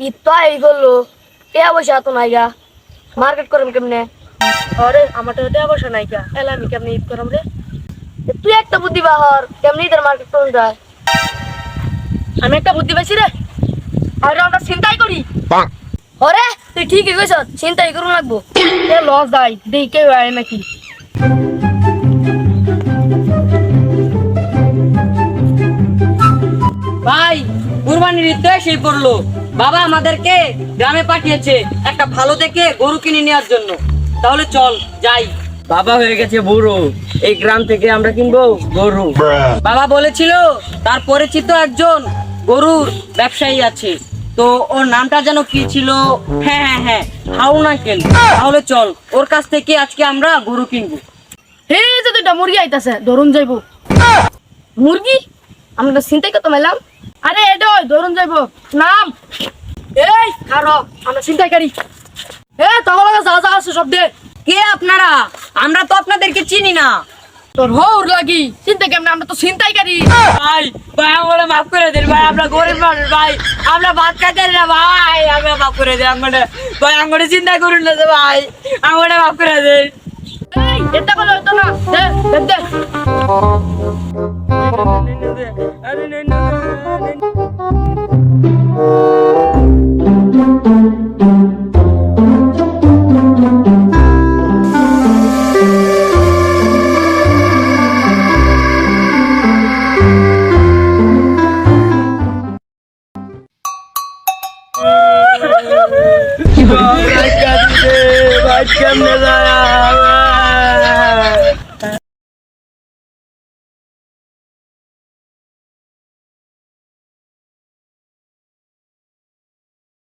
ঈদ তো এই করলো, টিয়া পয়সা তো নাইগা, মার্কেট করম কেমনে? আরে আমার তো টিয়া পয়সা নাই কা, এলা আমি কেমনে ঈদ করাম রে? তুই একটা বুদ্ধি বাহর, কেমনি ঈদের মার্কেট করুন যায়? আমি একটা বুদ্ধি পাইছি রে, আর আমরা চিন্তাই করি। হরে তুই ঠিকই কইছ, চিন্তাই করুন লাগবো। এ লস দাই দেই কেউ আয় নাকি? ভাই, কুরবানির ঈদ তো এসেই পড়লো। বাবা আমাদেরকে গ্রামে পাঠিয়েছে একটা ভালো দেখে গরু কিনে নেওয়ার জন্য। তাহলে চল যাই। বাবা হয়ে গেছে বুড়ো, এই গ্রাম থেকে আমরা কিনবো গরু। বাবা বলেছিল তার পরিচিত একজন গরুর ব্যবসায়ী আছে, তো ওর নামটা যেন কি ছিল? হ্যাঁ হ্যাঁ হ্যাঁ, হাউন আঙ্কেল। তাহলে চল ওর কাছ থেকে আজকে আমরা গরু কিনবো। হে যে দুইটা মুরগি আইতাছে, ধরুন যাইবো। মুরগি? আমরা চিন্তাই কত মেলাম। আরে এটা ধরুন যাইবো। নাম এই খারো, আমরা চিন্তাই করি। এ তোমার লগে যা যা আছে সব দে। কে আপনারা? আমরা তো আপনাদেরকে চিনি না। তোর হৌর লাগি চিন্তা কেমনে, আমরা তো চিন্তাই করি। ভাই ভাই আমরা মাফ করে দিন ভাই, আমরা গরিব মানুষ ভাই, আমরা ভাত খাইতে না ভাই, আমরা মাফ করে দিন আমাদের ভাই, আমাদের চিন্তা করুন না যে ভাই, আমাদের মাফ করে দিন। এই এটা বলে হতো না, দে দে দে। ভাই কেমনে যায়